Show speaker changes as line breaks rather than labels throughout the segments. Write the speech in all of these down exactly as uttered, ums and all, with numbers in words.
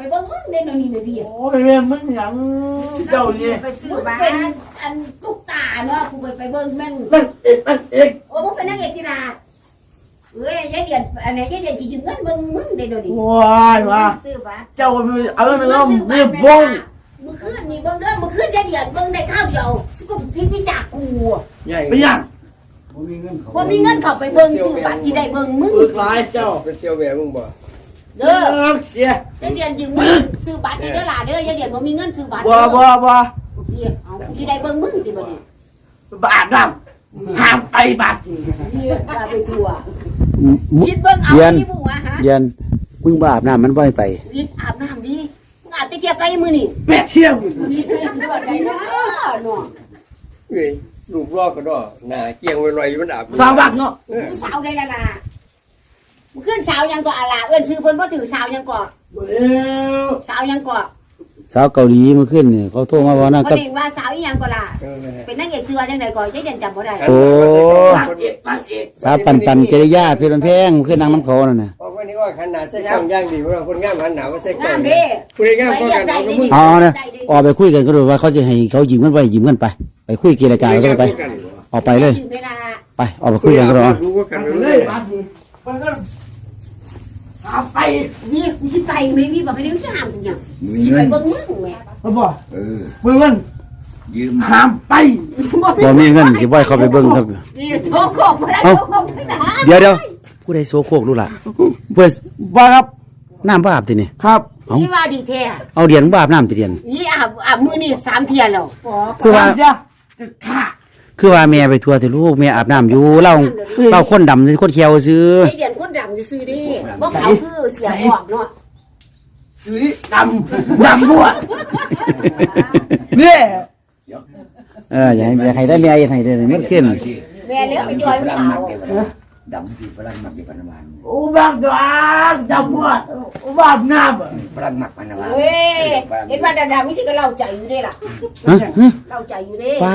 ไปเบิ่งมึงเด่นนี่เลยพี่
โอ้ยแม่มึงหยังเจ้านี่
ไปซื้อบ้านอันตุ๊กตาเนาะกูไปไปเบิ่งแม่น
นั่นเอกนั่นเอก
โอ้มึงเป็นนักเอกกีฬาเอ้ยยายเดียนอันไหนยายเดียนสิยืมเงินเบิ่งมึงเด่นนี่
ว้ายว่า
ซื้อบ้าน
เจ้าเอาไปแล้วมีบง
มึงขึ้นนี่เบิ่งเด้อมึงขึ้นยายเดียนเบิ่งได้ข้าวเดียวสิกูพิจิจากกู
ไปยัง
บ่มีเงินเขาบ่มีเงินเข้าไปเบิ่งซื้อบ้านที่ได้เบิ่งมึง
อึกหลายเจ้า
เป็นเซียวแหวมึงบ่
เด้อ
เสีย
ยายเดียนยืมเงินซื้อบ้านนี่เด้อล่ะเด้อยายเดียนบ่มีเงินซื้อบ้าน
บ่บ่บ่
เอาสิได้เบิ่งมึงสิบัดนี้
บาดน้ำห้ามไปบาด
นี่ว่าไปทั่วคิดเบิ่งเอาที่มึงว่าฮะ
เย็นมึงบ่อาบน้ำมันบ่ให้ไป
วิทอาบน้ำดิมึงอาบตะเกียบไก่มื้อนี่
แปดเที่ยง
นี่บ่ได้เนาะเนาะ
เอ้ยลูกรอกก็ดอหน้าเกี่ยงไว้ลอยมันอาบ
สาวบักเนาะ
สาวได้ละล่ะมึงขึ้นสาวยังก็อะล่ะเอิ้นชื่อเพิ่นบ่ถือสาวยังก็สาวยังก็
สาวเกาหลีเมื่อคืนนี่เขาโทรมาว่านะ
กับเด็กว่าสาวอีหยังก็ล่ะเป็นนางเอกชื่อว่าจังได๋ก็ยายเด่นจำบ่ได้
โอ้สาวปันปันจริยาเพลินแพงเมื่อคืนนางน้ำเขานั่นน่ะ
เพราะว่านี่ก็ขนาดใส่กล้องย่างดีว่าคนงามหันหน้าว่าใส่กล้อง
งามเด้
ผู้ใดงามก็กันเอากับมึง
อ๋อนะออกไปคุยกันก็ดูว่าเขาจะให้เขายืมเงินไปยืมเงินไปไปคุยเจรจากันไปออกไปเลยไปออกไปคุยกันก็รอ
รู้ว่ากัน
เล
เลย
บาดนี้มันก็เอาไป
นี่กูสิไปไม่มีบอกให้มึงห้ามกูหยังสิไปเบิ่งมึงแม่
บ่บ่เออมึงมันยืมห้ามไป
บ่มีเงินสิบ่ให้เขาไปเบิ่งครับ
นี่โชโคกบ่ได้โชโคกทั้งนั้น
เดี๋ยวเดี๋ยวผู้ใดโซโคกรู้ล่ะเพื่อ
บ่ครับ
น้ำบ่อาบตินี่
ครับ
นี่ว่าดีแท้
เอาเดียนบ่อาบน้ำติเดียน
นี่อาบอาบมื้อนี้สามเที่ยแล้ว
คือว่า
ค่ะ
คือว่าแม่ไปทัวร์แต่ลูกแม่อาบน้ำอยู่เล่าเล่าคนดำคนเขียวซื้อ
ไอเดียนคนดำซื่อดิบ่ขาวคือเสียออกเนาะ
ซื้อดำดำบวชเนี่ย
เอออย่าให้อย่าให้ได้แม่อย่าให้ได้มันขึ้น
แม่เลี้ยงไปจอยสาว
ดำที่ฝรั่งมักอยู่ปานวาน
อุบักดางดำบวชอุบักน้
ำฝรั่งมักปานวาน
เฮ้ยเห็นว่าดำๆมีสิก็เล่าใจอยู่เด้ล่ะเล่าใจอยู่เด้
ป้า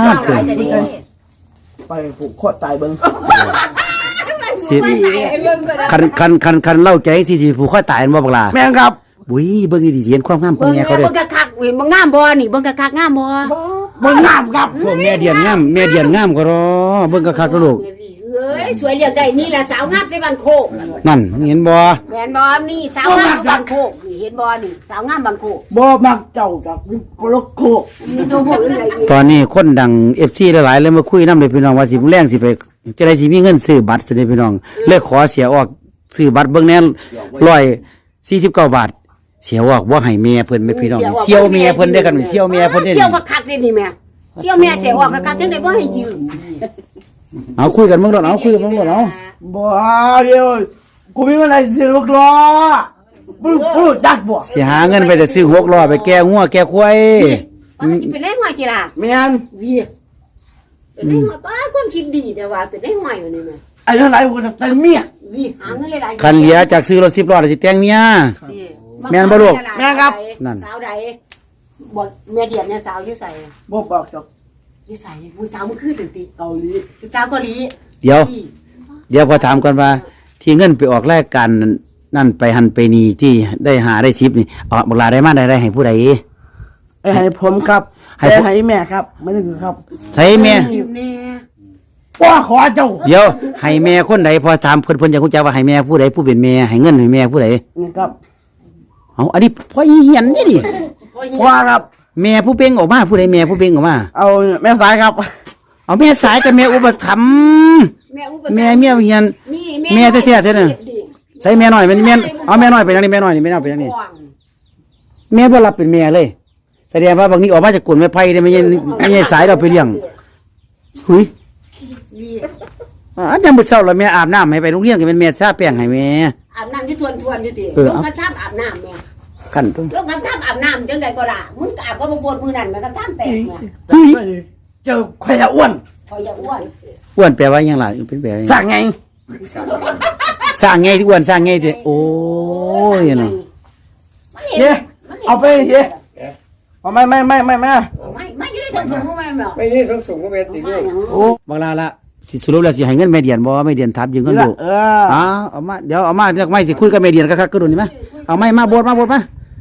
ไปผูกคอตายเบิ่ง
สิคันคันคันคันเล่าใจที่ที่ผูกคอตายบ่บักล่ะ
แม่นครับ
บุ้ยเบิ่งดีๆเห็นความงามของแม่เขาเด้อ
เบิ่งคักๆเว้ยบ่งามบ่นี่เบิ่งคักๆงามบ่
บ่งามครับ
พวกแม่เดียนงามแม่เดียนงามก็รอเบิ่งคักๆลูก
เอ้ยสวยเรียกได้นี่แหละสาวงามในบ้านโคก
นั่นเห็นบ่
แม่นบ่นี่สาวงามบ้านโคกนี่เห็นบ่นี่สาวงามบ้านโคก
บ่มักเจ้าดอกนี่ปลกโคก
มีโทรโหอะไร
ตอนนี้คนดัง เอฟ ซี หลายๆเลยมาคุยนำเลยพี่น้องว่าสิแรงสิไปจะได้สิมีเงินซื้อบัตรสิพี่น้องเลยขอเสียออกซื้อบัตรเบิ่งแน่หนึ่งร้อยสี่สิบเก้าบาทเสียออกบ่ให้แม่เพิ่นแม่พี่น้องเสี่ยวแม่เพิ่นได้กันเสี่ยวแม่เพิ่นได้
เสี่ยวคักๆนี่แม่เสี่ยวแม่เสียออกคักๆจังได๋บ่ให้ยืม
เอาคุยกันเบิ่งดอกเอาคุยกันเบิ่งดอกเอา
บ่เดี๋ยวกูมีอะไรสิลูกล้อบ่บ่ดักบ่
สิหาเงินไปแต่ซื้อหกล้อไปแก้งัวแก้ควาย
มันเป็นได้หอยกี่ล่ะ
แม่น
วีเป็นได้หอยป้าคนคิดดีแต่ว่าเป็นได้หอยอยู่นี่แม่
ไอ้เท่าไหร่กูจะแต่เมีย
วีหาเงินหลาย
ๆคันเหลือจากซื้อรถสิบล้อสิแต่งเมียแม่นบ่ลูก
แม่ครับ
นั่น
สาวใดบ่แม่เดียนเนี่ยสาวอยู่ไส
บ่บอกจบ
อยู่ไสผู้สาวมันคือตึกๆ
เกาหลี
ผู้สาวเกาหลี
เดี๋ยวเดี๋ยวพอถามก่อนว่าที่เงินไปออกรายการนั่นไปหันไปนี่ที่ได้หาได้ทิปนี่ออกบักลาได้มาได้ได้ให้ผู้ใด
ให้ผมครับให้ให้แม่ครับไม่ได้ครับ
ใช่แม่
ว่าขอเจ้า
เดี๋ยวให้แม่คนใดพอถามเพิ่นเพิ่นจะรู้จักว่าให้แม่ผู้ใดผู้เป็นแม่ให้เงินให้แม่ผู้ใด
นี่ครับ
เอาอันนี้พ่อเหียนนี่ดิ
ว่าครับ
แม่ผู้เป่งออกมาผู้ใดแม่ผู้เป่งออกมา
เอาแม่สายครับ
เอาแม่สายกับแม่อุปถัมภ์แม่เมียเฮียนแม่แท้ๆแท้นั่นใส่แม่น้อยเป็นแม่เอาแม่น้อยไปทางนี้แม่น้อยนี่แม่น้อยไปทางนี้แม่บ่รับเป็นแม่เลยแสดงว่าบางนี้ออกมาจากกลุ่มแม่ไผ่ได้ไม่ใช่ไม่ใช่สายเราไปเลี้ยงหุยอันยังมื้อเช้าแล้วแม่อาบน้ำให้ไปโรงเรียนก็เป็นแม่ทาแป้งให้แม่
อาบน้ำที่ทวนๆอยู่ติลงกระชับอาบน้ำแม่
คั่นตรง
ลงกระชับอาบน้ำจังได๋ก็ล่ะมึงอาบก็บ่ปวดมือนั่นมันกระชับแตกแม่
หุย
เจ้าข่อยจะอ้วน
ข่อยจะอ้วน
อ้วนแปลว่าหยังล่ะเป็นแปล
สร้างไง
สร้างไงที่อ้วนสร้างไงดิโอ้ยเนาะ
เฮ้เอาไปเฮ้เอาไม่ไม่ไม่ไม่ไม่
ไม่ไม่ยืดถุงถุงไม่หรอก
ไม่ยืดถุงถุงก็เป็นติด้วย
โอ้บางลาละสิสรุปแล้วสิให้เงินแม่เดียนบ่แม่เดียนทับยืมเงินดู
เออ
อ๋อเอามาเดี๋ยวเอามาเดี๋ยวไม่สิคุยกับแม่เดียนคักๆก็ดูนี่มั้ยเอาไม้มาโบดมาโบดมา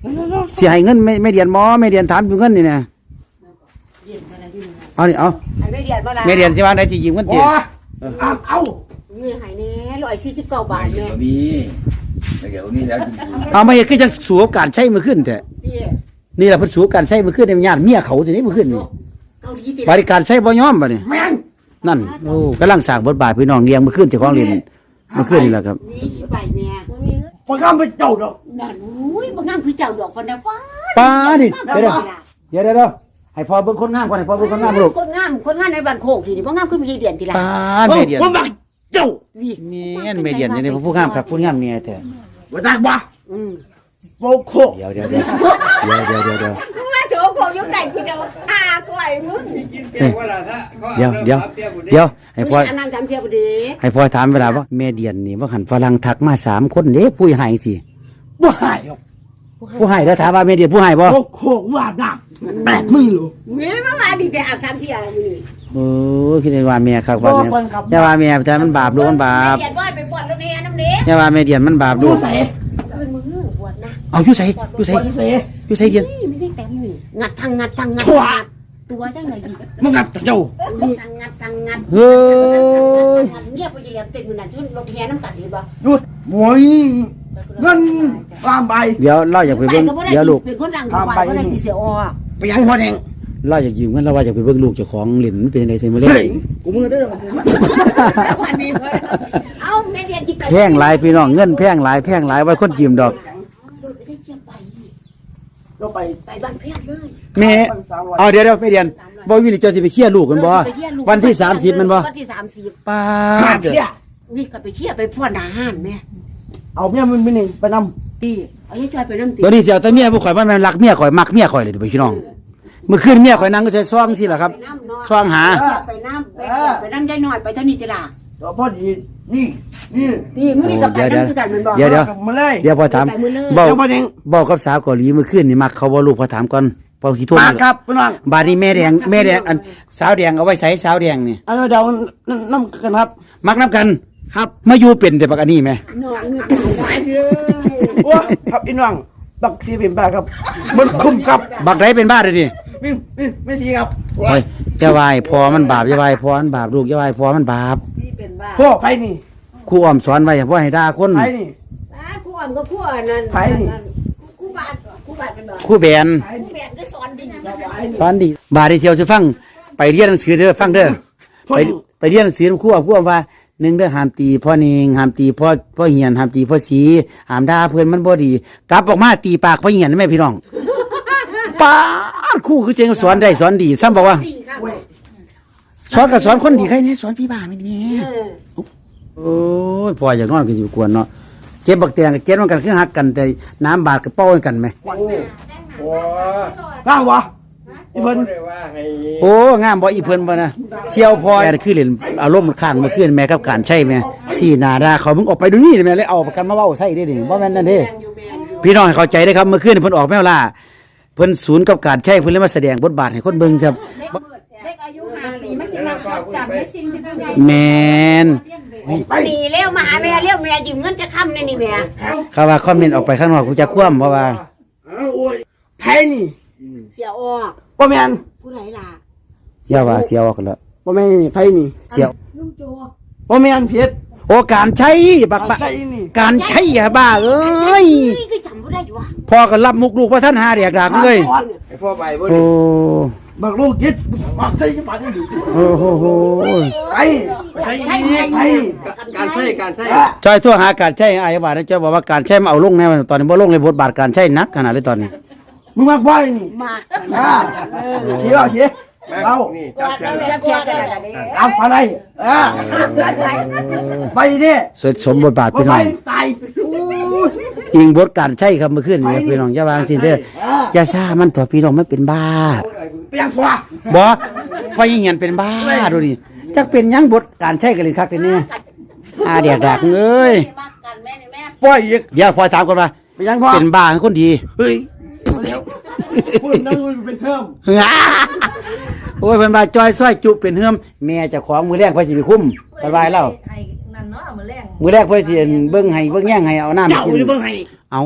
สิให้เงินไม่ไม่เดียนบ่ไม่เดียนถามอยู่เงินนี่นะ
เรียนอะไรอยู่นี่
เอานี่เอา
ให้ไม่เรียนบ่ล่ะ
ไม่เดียนสิว่าได้สิยืมเงิน
โอ้
ติ
เอาเอา
มีให้แน่ร้อยสี่สิบเก้าบาทแม่
มีเดี๋ยวนี้แล้วจริง
เอามาเฮ็ดคือจังสู้กับการใช้มือขึ้นแท้
พี่
นี่ล่ะเพิ่นสู้กับการใช้มือขึ้นในญาติเมียเขาสิได้มือขึ้นนี่
เกาหลีติ
บริการใช้บ่ยอมบัดนี้
แม่น
นั่นโอ้กำลังสร้างบทบาทพี่น้องเลี้ยงมือขึ้นเจ้าของเรียนมือขึ้นนี่แหละครับ
นี่ไปแม่บ่มีเงิน
พอข้ามไปเจ้าดอก
นั่นอุ้ยบ่งามคือเจ้าดอกคนนะป้า
ป้าดิเดี๋ยวเดี๋ยวเดี๋ยวเดี๋ยวให้พอเบิ่งคนงามก่อนให้พอเบิ่งคนงามลูก
คนงามคนงามในบ้านโคกทีนี่บ่งามคือมีเรียนทีละ
ป้าเมียเดียน
ผมบักเจ้า
วิ
เมียนเมียเดียนนี่ผู้งามครับผู้งามเมียแท้
บ่ตักบ่
อืม
โบโค
เดี๋ยวเดี๋ยวเดี๋ยวเดี๋ยวเดี๋ยวเดี๋ยว
มาโจโคอยู่ไก่กูจะฆ่าก้อยมึง
กินเก่งว่าล่ะถ้า
เดี๋ยวเดี๋ยวเดี๋ยวให้พ่อ
อันนั้นจำเทียบดี
ให้พ่อถามเวลาว่าเมียเดียนนี่ว่าหันฝรั่งทักมาสามคนเด้ผู้ให้สิ
บ่หายหรอก
ผู้ให้แล้วถามว่าเมียเดียนผู้ให้บ่
โบโคว่าดาบแปดมือหรอ
เมียมามาดีแต่อาบสามเทียนี่
โอ้คิดว่าเมียครับว่าเมียอย่าว่าเมียแต่มันบาปลูกมันบาป
เรียนว่าไปฟอนแล้วเนี่ยน้ำเนี้ย
อย่าว่าเมียเดียนมันบาปลู
ดู
ก
ใส่
คืนมือบวชนะ
เอาอยู่ใส่อยู่ใส่
คนเส
อยู่ใส่เดียน
นี่ไม่ได้แต่งนี่งัดทางงัดทางงัดตัวจังไหนดี
มึงงับเจ้า
ทางงัดทางงัด
เฮ้ย
เงียบไปเยี่ยมเต็มมือนั่นทุ่นรถแห่น้ำกัดดีบ่
ดูโว้ยเงินตามไป
เดี๋ยวเราอยากไปเบิ่งเดี๋ยวลูก
เป็นคนรังควายก็ได้ตีเสียอ
ไปยังหัวแดง
เราอยากยืมเงินเราว่าอยากไปเบิ่งลูกเจ้าของเหรียญมันเป็นยังไงเทมาเล่
เฮ้ยกูมือได้หรอ
วันนี้เอ้าแม่เรียนจิต
แพงหลายพี่น้องเงินแพงหลายแพงหลายไว้คนยืมดอก
ได้เจียมไป
เราไป
ไปบ้านเพียงเลย
แม่เอาเดี๋ยวเดี๋ยวไม่เรียนบ่วินี่เจ้าสิไปเคลียร์ลูกกันบ่วันที่สามสิบมันบ่
วันที่สามสิบ
ป้า
หา
ดเด้อ
เที่ย
นี่ก็ไปเที่ยวไปฟ้อนอาหารแม่
เอาเนี่ยมันเป็นไปน
ตีเอาให้จอยไปน้ำตี
ตัวนี้สิเอาแต่เมียบ่ข่อยมันแม่นรักเมียข่อยมักเมียข่อยเลยพี่น้องเมื่อคืนเมียข่อยนั่งก็ใช้ซ่องสิล่ะครับ
ไปน้ำนอน
ซ่องหา
ไปน้ำไปน้ำได้หน่อยไปเท่านี้จ้ะล่ะ
ำเราพอดีนี่นี่
นี่มึงนี่กับไปน้ำคือกันมันบอก
เดี๋ยวเดี๋ยว
มาเลย
เดี๋ยวพอถาม
ไปมือเลย
เว้า
เจ้าพ่อแดง
เว้ากับสาวเกาหลีเมื่อคืนนี่มักเขาบ่ลูกพอถามก่อนพอสิโทร
มา
มา
ครับพี่น้อง
บาดนี้แม่แดงแม่แดงอันสาวแดงเอาไว้ใช้สาวแดงนี่
เอาเดี๋ยวน้ำกันครับ
มักน้ำกัน
ครับ
มาอยู่เป็นแต่บักอันนี้ไหม
นอนเงือกได้เยอะ
โอ้ครับอีน้องบักซีเป็นบ้าครับมันคุ้มครับ
บักไรเป็นบ้าเลยดิ
นี่นี่ไม่ทีครับ
โอ้ยจะวายพอมันบาปจะวายพอมันบาปลูกจะวายพอมันบาป
ที่เป็นบ้า
พ่อไปนี่
ครูอ้อมสอนไว้อย่าพ่อให้ด่าคน
ไปนี่
คู่อ่อนก็คู่อ่อนนั่นคู่บาทคู่บาทเป็นบ้า
ครูแบน
คู่แบนก็สอนดีจะไหว
สอนดีบาดที่เชียวจะฟังไปเรียนหนังสือเด้อฟังเด้อไปไปเรียนหนังสือครูอ้อมครูอ้อมว่าหนึ่งเด้อห้ามตีพ่อนิงห้ามตีพ่อพ่อเหียนห้ามตีพ่อสีห้ามด่าเพื่อนมันบ่ดีกลับออกมาตีปากพ่อเหียนแม่พี่น้องป้าดครูคือเจงสอนได้สอนดีซ้ำบอกว่า
ดีค่ะ
สอนกับสอนคนดีใครเนี่ยสอนพี่บ้าไม่เนี่ยโอ้ยพ่ออยากนอนก็สิกวนเนาะเก็บบักแตงกับเก็บมันกันคือหักกันแต่น้ำบาดกับเป้ากันไหม
โอ้
ร่างวะอีเพิ่น
ได้ว่าให้
โอ้งามบ่อีเพิ่นบ่นะเชี่ยวพอแม่คือเล่นอารมณ์มันข้างเมื่อคืนแม่กับการใช่แม่สี่หนาดาเขามึงออกไปดูนี่แม่เลยเอาประกันมาเว้าใส่ได้ดิบ่แม่นนั่นเด้พี่น้องให้เข้าใจได้ครับเมื่อคืนเพิ่นออกแมวล่าเพิ่นศูนย์กับการใช่เพิ่นเลยมาแสดงบทบาทให้คนเบิ่งครับ
เด็กอายุห้าปีไม่สิมาจำไม่สิ่งที่เป็นใหญ่
แม่น
ไป
หนีเร็วมาหาแม่เร็วแม่ยืมเงินจะค้ำในนี่แม่
เขาว่าคอมเมนต์ออกไปข้างนอกกูจะคว่ำเพราะว่า
โอ้ยไผนี่
เสียออก
บ่แม่น
ผู้ไหนล่ะ
อย่าว่าเสียออกกันแล้ว
บ่แม่นนี่ไผนี่
เสีย
ลุงโจ
บ่แม่นเพชร
โอ้การใช้บักบะ
ใส่นี่
การใช้อะบ้าเอ้ย
นี่คือจำไม่ได้อยู่วะ
พ่อก็รับมุกลูกว่าท่านหาเรียกดากเลย
ไอ้พ่อไปบ่
โอ้
บักลูกยิดบักใส่จะปานนี่
โอ้โหโห
ไป
ใช่
ไป
การใช้การใช้
จอยทั่วหาการใช้อายบาทนะจอยบอกว่าการใช้มาเอาลงแน่ตอนนี้บ่ลงเลยบทบาทการใช้นักขนาดเลยตอนนี้
มึงมาบ่นี่
มาก
อ่าเที่ยวเที่ยวเรา
นี่จับแขน
จะเพียงกันอะไร
เอาอะไรอ่าไปดิ
สวยสมบทบาท
บ่
พี่
ไป
น้อง
ตายอู้ย
อิงบทการใช้ครับเมื่อคืนนี้พี่น้องอย่าวางสิเด้ออย่าซ่ามันต่อพี่น้องมันเป็นบ้า
ไปยังฟัว
บ่พอยิ่งเห็นเป็นบ้าดูดิจักเป็นหยังบทการใช้กันเลยคักเลยเนี่ยอาเดียกดักเอ้ย
มากกันแม่นี่แม่
ปล่อยอีก
เดี๋ยวพอถามก่อนว่า
ไปยังฟัว
เป็นบ้าคนดี
เฮ้ยเดี๋ยวพูดนั่งเป็นเพิ่ม
โอ้ยเพิ่นว่าจอยซอยจุเป็นเฮือมแม่เจ้าของมือแรกเพิ่นสิไปคุ้มสบายแล้ว
ไอ้นั่นเนาะมื้อแรง
มือแรกเพิ่นสิเบิ่งให้เบิ่งแย่งให้เอาน้ำ
เจ้า
กิน
จะเบิ่งให้
เอา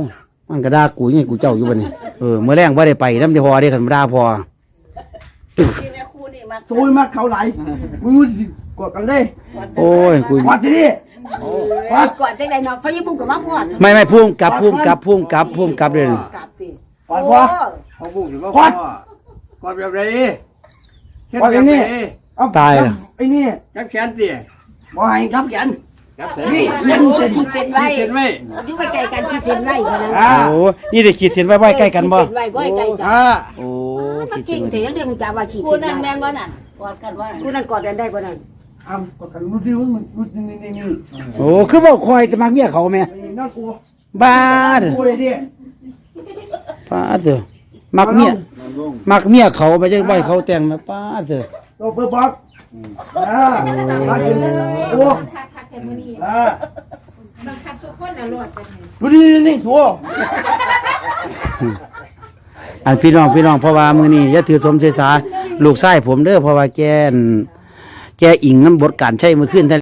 มันก็ด่ากูยังไงกูเจ้าอยู่บัดนี้เออมื้อแรงบ่ได้ไปนำที่พอได้คันด่าพอ
ที่แม่ครูนี่มา
โอ้ยมาเขาไหลกูกดกันเลย
โอ้ยกู
กดทีนี้
ก่อนก่อนจังได๋เนาะพะยบุ้งก็มาพอด
ไม่ไม่พุ่มกลับพุ่มกลับพุ่มกลับพุ่มกลับเลย
กลับสิ
กดพ่อ
เขาบุกอยู่ว่าพ่อกอดแบบไหนเฮ็ด
กด
แบ
ไอ้
บไหน
นี่เอาไอ้นี่
จับแขนสิ
บ่ให้ครับแขน
จับแขน
นี่
เล่นเส้นเส้นไว้
เส้นไว้
อยู่ใกล้ๆกันคิดเส้นไว้เท่านั้น
อ่า
โอ้นี่ได้ขีดเส้นไว้ไว้ใกล้กันบ่
เส้นไว้บ่ใกล้กัน
อ่า
โอ้
มัน
ขีด
จริ
เส้
ง
นไว้
แต่ยังเรื่องจะว่าขีด
ครู
เส้น
นั่น
ไว้
แม่นบ่นั่นกอดกันว่า
กูนั่นกอดกันได้บ่นั่น
เอากดกันรู้ดิว่ามันรู้นี่นี่นี่
โอ้คือบ่คอยจะมักเมียเขาแม่
น่ากลัว
บ้าเด้อ
กูเลยดิ
ป้าเด้อมักเมียมักเมียเขาไปจังบ่ให้เขาแต่งนะป้าเด้อ
ตัวเปิดบอกอ่ามากินโอ้อ่ารู้ดินี่นี่ตัว
อันพี่น้องพี่น้องเพราะว่ามื้อนี้อย่าถือสมเสษาลูกชายผมเด้อเพราะว่าแกนแกอิงน้ำบทการใช้มื้อคืน